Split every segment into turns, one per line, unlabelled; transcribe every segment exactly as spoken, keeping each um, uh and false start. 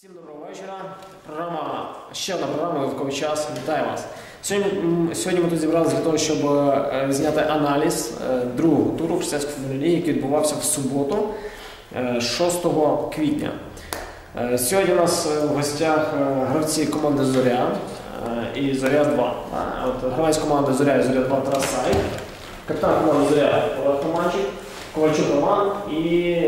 Всім доброго вечора. Програма, ще одна програма «Додатковий час». Вітаю вас. Сьогодні, сьогодні ми тут зібралися для того, щоб зняти аналіз другого туру християнської футбольної ліги, який відбувався в суботу, шостого квітня. Сьогодні у нас в гостях гравці команди «Зоря» і «Зоря два». От, гравець команди «Зоря» і «Зоря два» Тарас Сай, капітан команди «Зоря» Олег Романчик, Ковальчук Роман і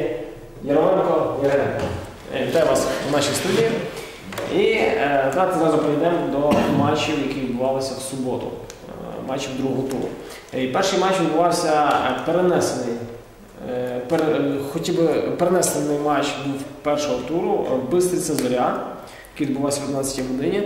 Яроменко Яриненко. Вітаю вас у нашій студії. І е, давайте зразу перейдемо до матчів, які відбувалися в суботу, е, матчів другого туру. І перший матч відбувався перенесений, е, пер, хотів би перенесений матч був першого туру Бистриця Зоря, який відбувався в одинадцятій годині.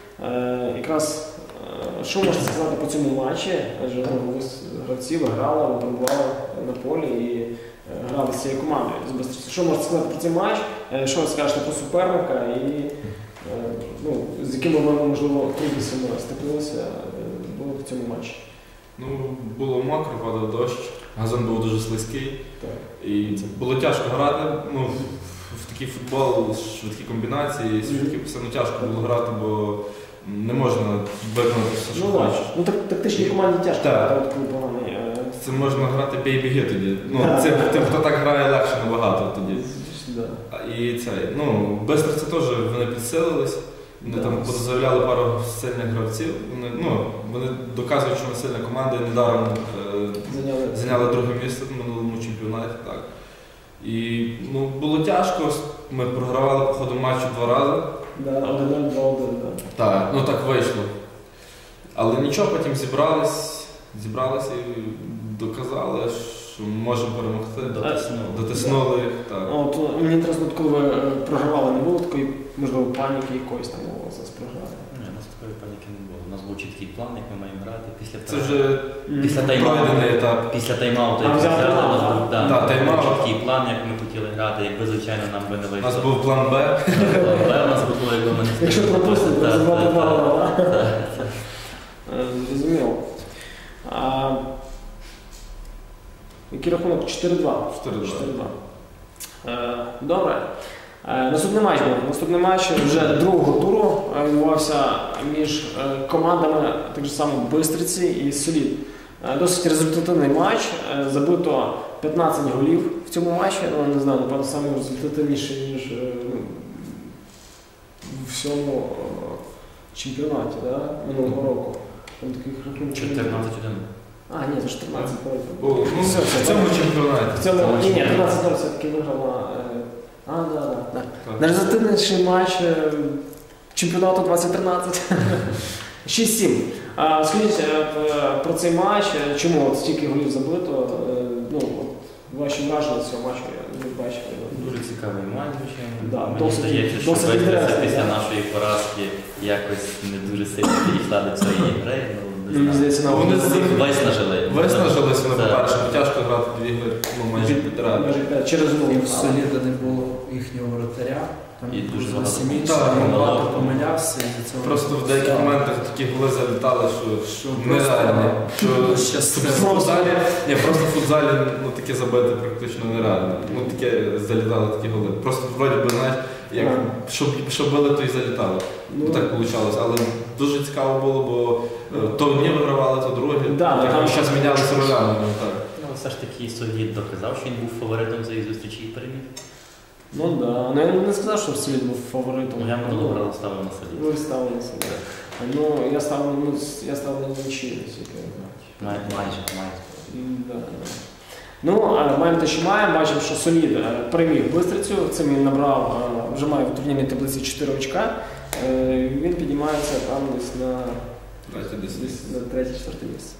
Е, якраз, е, що можна сказати по цьому матчі? Адже ви гравці ви грали, ви перебували на полі і грали з цією командою з Бистрицею. Що можете сказати про цей матч? Що ви скажете про суперника і ну, з якими ви, можливо, трудностями стикнулися в цьому матчі?
Ну, було мокро, падав дощ, газон був дуже слизький.
Так.
І було тяжко грати. Ну, в такий футбол, швидкі комбінації, швидкі все ну, тяжко було грати, бо не можна виконати все, що
ну,
хочеш.
Ну, так, тактичній команді тяжко грати, коли поганий.
Це можна грати бей-біги тоді. Ну, це, тим, хто так грає, легше набагато тоді.
Да.
І це, ну, Бистриця теж вони підсилились, вони да. там позаявляли пару сильних гравців, вони, ну, вони доказують, що ми сильна команда і недаром е, зайняли. зайняли друге місце в минулому чемпіонаті. Так. І ну, було тяжко, ми програвали по ходу матчу два рази.
Да, один-нуль, два-один, так.
Так, ну так вийшло. Але нічого, потім зібрались, зібралися і доказали, що ми можемо перемогти. Дотиснули. Дотиснули їх, так.
От, мені інтересно, коли ви програвали, не було такої, можливо, паніки якоїсь там у вас програли?
Ні, у нас такої паніки не було. У нас був чіткий план, як ми маємо грати. Після
Це вже
після тайм-ауту,
етап.
Після тайм-ауту, як ми взяли, у нас був да, да, тайм чіткий план, як ми хотіли грати. Якби, звичайно, нам би не вийшло.
У нас був план Б.
План Б у нас було, якби ми не спили.
Якщо пропустити, то забрати два гола, так? Зрозуміло. Який рахунок? чотири-два.
чотири-два.
Добре. Наступний матч був. Наступний матч вже другого туру відбувався між командами так само Бистриці і Солід. Досить результативний матч. Забито п'ятнадцять голів в цьому матчі. Ну, не знаю, напевно, саме результативніше, ніж у всьому чемпіонаті, да? Минулого року. Там таких
чотирнадцять один.
А, ні, це чотирнадцять.
Ну, все, все, в цьому чемпіонаті.
В цьому, ні, ні, тринадцять нуль все-таки виграла. А, да, да, да. Найрезультативніший матч чемпіонату двадцять тринадцять. шість-сім. Скажіть про цей матч, чому от стільки голів забито? Ну, ваші враження з цього матчу я бачив.
Дуже цікавий матч, звичайно.
Да,
мені
досить,
здається, що
досить
Бистриця після
да.
нашої поразки якось не дуже сильно підійшла до цієї гри.
Мені здається, на
вони
виснажили.
Виснажилися вони, по-перше, тяжко грати дві гри, ну, майже півтора.
Через
І в Соліда не було їхнього воротаря. Там
і дуже
багато помилявся.
Просто в деяких моментах такі голи залітали, що, що нереально. Що,
що
в футзалі, ні, просто в футзалі ну, таке забити практично нереально. Ну, таке залітали такі голи. Просто вроді би, знаєш, як, що, що били, то і залітали. Ну, так вийшло. Але дуже цікаво було, бо то одні вигравали, то другі.
Да,
так,
там
зараз мінялися ролями.
Ну, все ж таки Солід доказав, що він був фаворитом цієї зустрічі і переміг.
Ну так, да. Ну, я не сказав, що Солід був фаворитом.
Ну, я минулого разу ставив на Солід.
Ви ставили на Солід. Ну, я ставив ну, я ставив на нічию, наскільки я знаю.
Майже, майже.
Да, да. Ну, маємо те, що маємо. Бачимо, що Солід переміг Бистрицю. Цим він набрав, вже має в турнірній таблиці чотири очка. Він піднімається там десь на третє-четверте місце.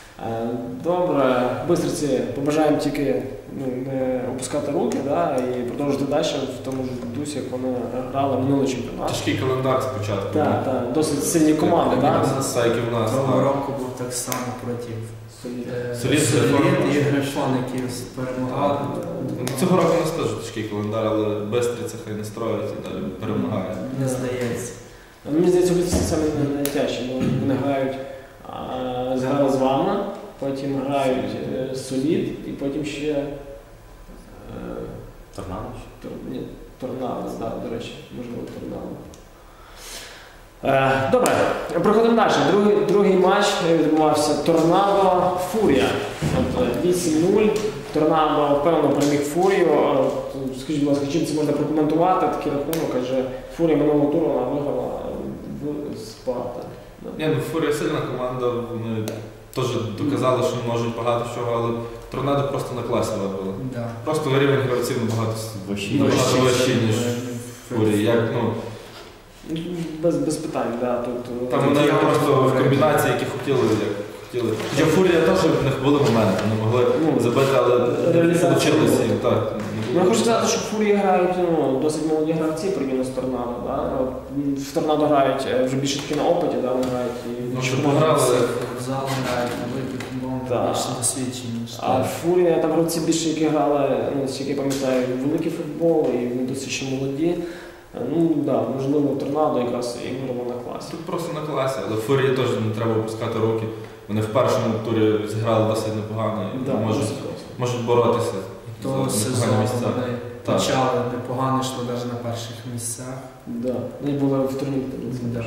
Добре, Бистриці побажаємо тільки ну, не опускати руки, да, і продовжити далі в тому ж дусі, як вони грали минулий чемпіонат.
Тяжкий календар спочатку.
Так, так, досить сильні команди. Так,
так, як і в нас.
Того року був так само проти
Солід
і Грифон, які перемагали.
Цього року у нас теж тяжкий календар, але Бистриця хай не строїть і далі перемагає.
Не здається.
Мені здається, Бистриця саме найтяжчі, бо вони грають, зграли з вами, потім грають Солід і потім ще
Торнадо?
Торнадо, да, до речі, можливо, Торнадо. Е, добре, проходимо далі. Другий, другий матч відбувався Торнадо Фурія. вісім нуль. Торнадо впевнено переміг Фурію. Скажіть, будь ласка, чим це можна прокоментувати? Такий рахунок, адже Фурія минулого туру вона виграла в Спарта.
Ні, ну Фурія сильна команда, вони теж доказали, що можуть багато чого, але Торнадо просто на класі вибили.
Да.
Просто рівень гравців набагато вищий, ніж Фурія. Як, ну,
Без, без питань, да, тут...
Там вони просто в комбінації, які хотіли, як хотіли. Хоча Фурія теж в них були моменти, вони могли ну, забити, але не вийшло їм. Так.
Ну, я хочу сказати, що в Фурії грають ну, досить молоді гравці порівняно з Торнадо. Да? В Торнадо грають вже більше таки на опиті, да? Вони грають і
ну, щоб пограли.
В залу грають, на випік,
да.
більше досвідчені.
А Фурія, там гравці більше, які грали, ну, які я пам'ятаю, великий футбол, і вони досить ще молоді. Ну так, да, можливо, Торнадо якраз і виграло на класі.
Тут просто на класі, але Фурії теж не треба опускати руки. Вони в першому турі зіграли досить непогано і да, можуть, можуть боротися
то
за непогані місця.
Почали непогано, йшло навіть на перших місцях.
Да. Вони були в турнірі. Да.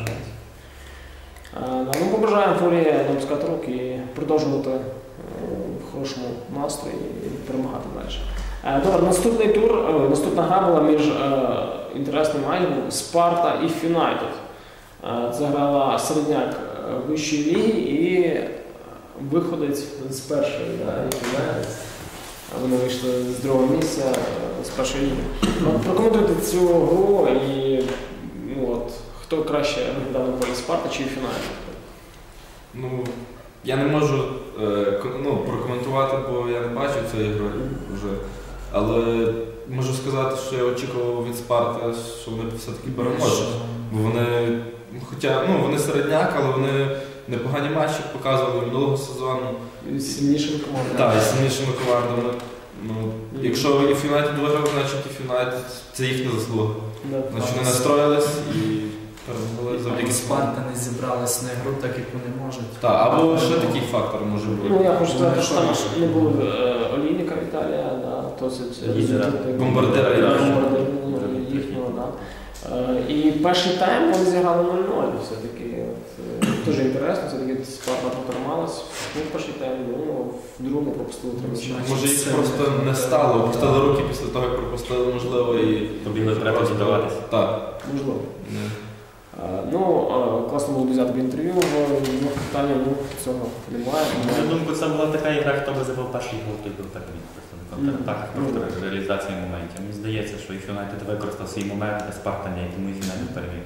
Ну, побажаємо Фурії не опускати руки і продовжувати в хорошому настрої і перемагати далі. Добре, наступний тур, наступна гра була між інтересним матчем Спарта і Фюнайтед. Це грала середняк вищої ліги і виходець з першої, да, Фюнайтед. Вони вийшли з другого місця з першої ліги. Прокоментуйте цю гру і ну, от, хто краще виглядав на полі Спарта чи Фюнайтед?
Ну, я не можу е, ну, прокоментувати, бо я не бачив цієї гри вже. Але можу сказати, що я очікував від Спарти, що вони все-таки переможуть. Бо вони, хоча, ну, вони середняк, але вони непогані матчі показували минулого сезону.
І сильнішими командами.
Так, і сильнішими командами. Ну, якщо і Фюнайтед виграв, значить і Фюнайтед це їхня заслуга.
Да.
Значить вони настроїлись і перемогли завдяки
Спарта не зібралась на гру так, як вони можуть.
Так, або ще такий фактор може бути.
Ну, я хочу сказати, що там не було Олійника Віталія, да, досить
бомбардира
їхнього, да. І перший тайм вони зіграли нуль нуль все-таки. Дуже інтересно, все-таки Спарта протрималась. Ну, в перший тайм, ну, в другому пропустили три м'ячі.
Може їх просто не стало, опустили руки після того, як пропустили, можливо, і
побігли треба здаватися.
Так.
Можливо. Ну, класно було взяти інтерв'ю, в питання, ну, цього немає.
На думку, це була така ігра, хто би забив перший гол, той був так від просто на контратаках, просто реалізації моментів. Мені здається, що і Фюнайтед використав свій момент, а Спарта ні, тому і Фюнайтед переміг.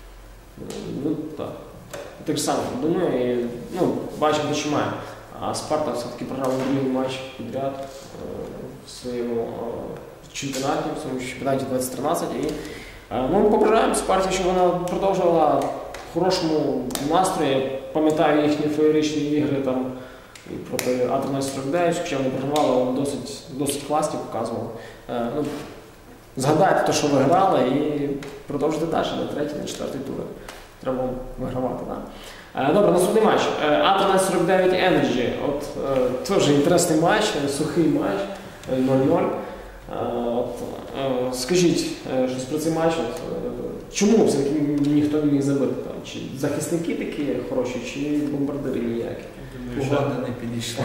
Ну, так. Так само думаю, і, ну, бачимо, що має. А Спарта все-таки програв другий матч підряд в своєму чемпіонаті, в своєму чемпіонаті двадцять тринадцять. І ну, побажаємо Спарті, щоб вона продовжувала в хорошому настрої. Пам'ятаю їхні феєричні ігри там і проти А тринадцять сорок дев'ять, хоча вони програвали, але досить, досить класні показували. Ну, згадайте те, що ви грали, і продовжуйте далі на третій, на четвертий тури. Треба вигравати, так. Да. Добре, наступний матч. А тринадцять сорок дев'ять Energy. От теж інтересний матч, сухий матч, нуль нуль. От, скажіть щось про цей матч. От, чому все-таки ніхто не міг забити? Там? Чи захисники такі хороші, чи бомбардири ніякі?
Погода не підійшла.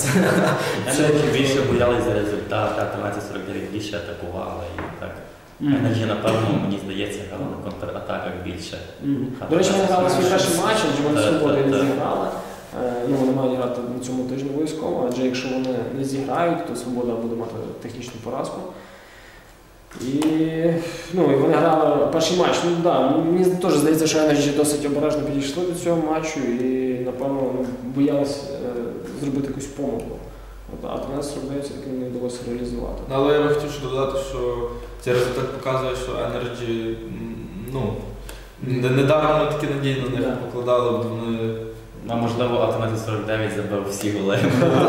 Energy більше боялись за результат, а тринадцять сорок дев'ять більше атакували і так. Energy, напевно, мені здається, грали на контратаках більше.
До речі, вони грали свій перший матч, адже вони свободи не зіграли. Ну, вони мають грати на цьому тижні обов'язково, адже якщо вони не зіграють, то Свобода буде мати технічну поразку. І, ну, і вони грали перший матч. Ну, да, мені теж здається, що Energy досить обережно підійшли до цього матчу і, напевно, боялись е, зробити якусь помилку. От, а тринадцять сорок дев'ять все-таки не вдалося реалізувати.
Але я би хотів ще додати, що цей результат показує, що Energy, ну, недаром ми такі надії на них покладали, бо вони...
Ну, можливо, А тринадцять сорок дев'ять забив всі голи.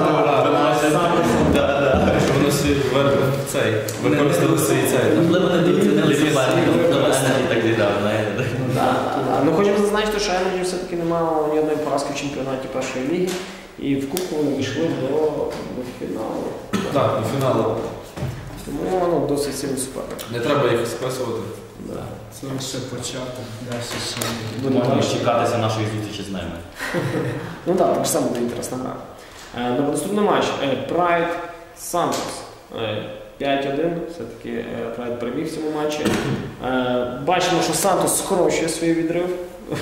Що вони всі використали свій цей.
Можливо, не доцінили суперника, можливо, Energy так зіграв, знаєте.
Ну, хочемо зазначити, що Energy все-таки не мало ні одної поразки в чемпіонаті першої ліги. І в Кубку вони вийшли до, до фіналу.
Так, до фіналу.
Тому ну, досить сильний суперник.
Не треба їх списувати.
Да.
Це лише початок, далі ще не
Буде
Можна
важче.
чекатися нашої зустрічі з ними.
Ну так, так само буде інтересна гра. Е, Добре, наступний матч. Прайд Сантос. п'ять один. Все-таки Прайд переміг в цьому матчі. Е, Бачимо, що Сантос скорочує свій відрив.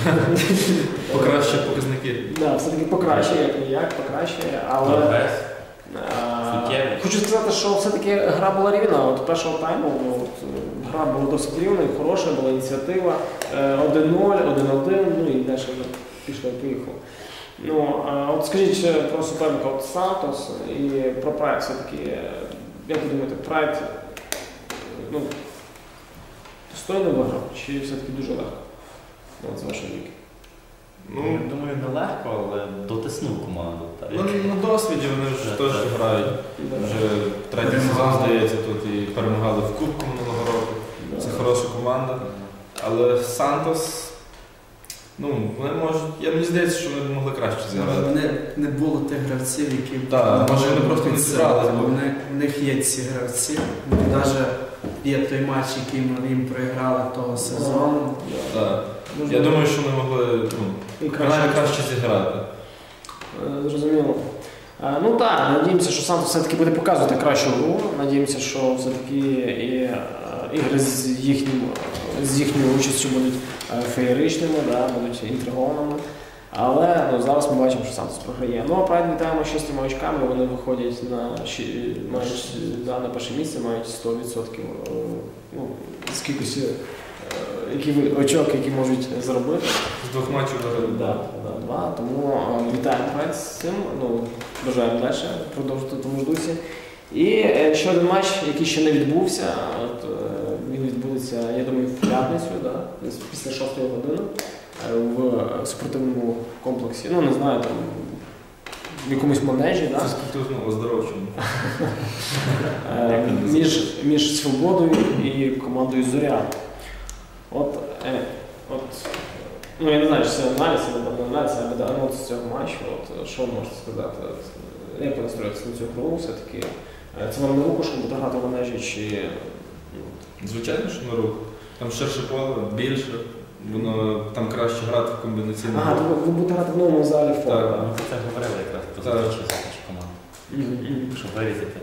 Покращує показники.
Да, все-таки покращує, як ніяк, покращує, але...
Прогрес.
Е,
Суттєвий.
Хочу сказати, що все-таки гра була рівна. От першого тайму ну, от, гра була досить рівна, хороша, була ініціатива. Е, один нуль, один один, ну і далі вже пішло і поїхало. Ну, а от скажіть про суперника от Сантос і про Прайд все-таки, як ви думаєте, Прайд ну, достойно виграв чи все-таки дуже легко? От з вашої віки.
Ну,
Я думаю, нелегко, але дотиснув команду. Так.
ну, на досвіді вони вже
Так,
теж
так.
грають.
Да.
Вже третій сезон, здається, тут і перемагали в Кубку минулого року.
Да.
Це хороша команда. Але Сантос, ну, вони можуть, я мені здається, що вони могли краще зіграти.
Вони не було тих гравців, які
Так, може, вони просто не
підсилали,
зібрали,
бо
бо-
вони- в них є ці гравці. Навіть є той матч, який ми їм проіграли того сезону.
Так.
Дуже
Я думаю, що вони могли ну,
і
краще, краще зіграти.
Е, Зрозуміло. Е, Ну так, надіємося, що Сантос все-таки буде показувати кращу гру. Надіємося, що все-таки і е, ігри з, їхнім, з їхньою участю будуть е, феєричними, да, будуть інтригованими. Але ну, зараз ми бачимо, що Сантос програє. Ну а Прайд вітаємо шістьма очками, вони виходять на, щі- мають, да, на перше місце, мають сто відсотків е, ну, з кількості е, які, ви- очок, які можуть зробити.
З двох матчів виграли.
Да, да, два. Тому е, вітаємо Прайд з цим. Ну, бажаємо далі продовжити в тому ж дусі. І е, ще один матч, який ще не відбувся. От, е, він відбудеться, я думаю, в п'ятницю, да, десь після шостої години е, в спортивному комплексі. Ну, не знаю, там в якомусь манежі, да?
Це спортивно оздоровчому.
Е, між, між Свободою і командою Зоря. От, е, от, ну я не знаю, чи це аналіз, або не аналіз, але анонс цього матчу. От, що ви можете сказати? От, як ви настроїтеся на цю гру все-таки? Е, Це вам на руку, щоб буде грати в манежі, чи... ну,
Звичайно, що на руку. Там ширше поле, більше, воно там краще грати в комбінаційному.
Ага, то ви, ви будете грати в новому залі фото.
Так.
Ми про це говорили якраз про
Так.
зустрічі з нашою командою. Щоб вирізати.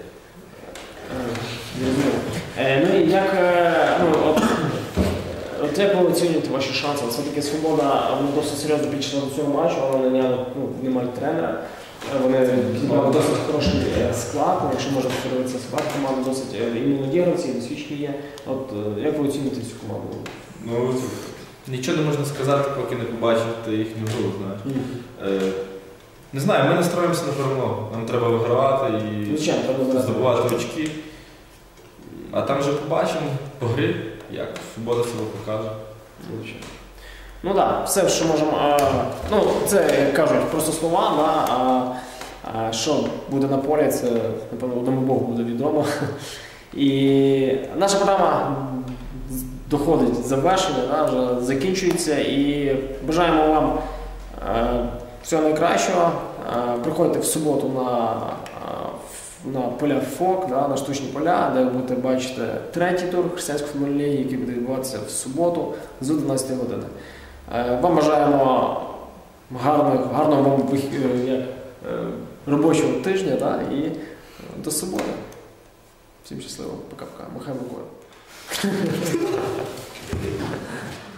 Е, Ну і як, е, ну, от, от як ви оцінюєте ваші шанси? Все-таки Свобода вона досить серйозно підійшла до цього матчу, вона наняли, ну, не мають тренера. Е, Вони зібрали досить хороший е, склад, ну, якщо можна подивитися склад команди, досить е, і молоді гравці, і досвідчені є. От е, як ви оцінюєте цю команду?
Ну, нічого не можна сказати, поки не побачити їхню гру, знаєш. Е, Не знаю, ми настроїмося на перемогу. Нам треба вигравати і
Звичайно, треба зараз
здобувати очки. А там вже побачимо по грі, як Свобода себе покаже.
Звичайно. Ну так, да, все, що можемо. А, ну, це, як кажуть, просто слова, да, а, а що буде на полі, це, напевно, одному Богу буде відомо. І наша програма доходить до завершення, да, вже закінчується. І бажаємо вам е, всього найкращого. Е, приходьте в суботу на, на поля ФОК, да, на штучні поля, де ви будете бачити третій тур християнської футбольної ліги, який буде відбуватися в суботу з одинадцятої години. Е, Вам бажаємо гарного, гарного вам вих- е, як, е, робочого тижня, да, і е, до суботи. Всім щасливо. Пока-пока. Махай рукою.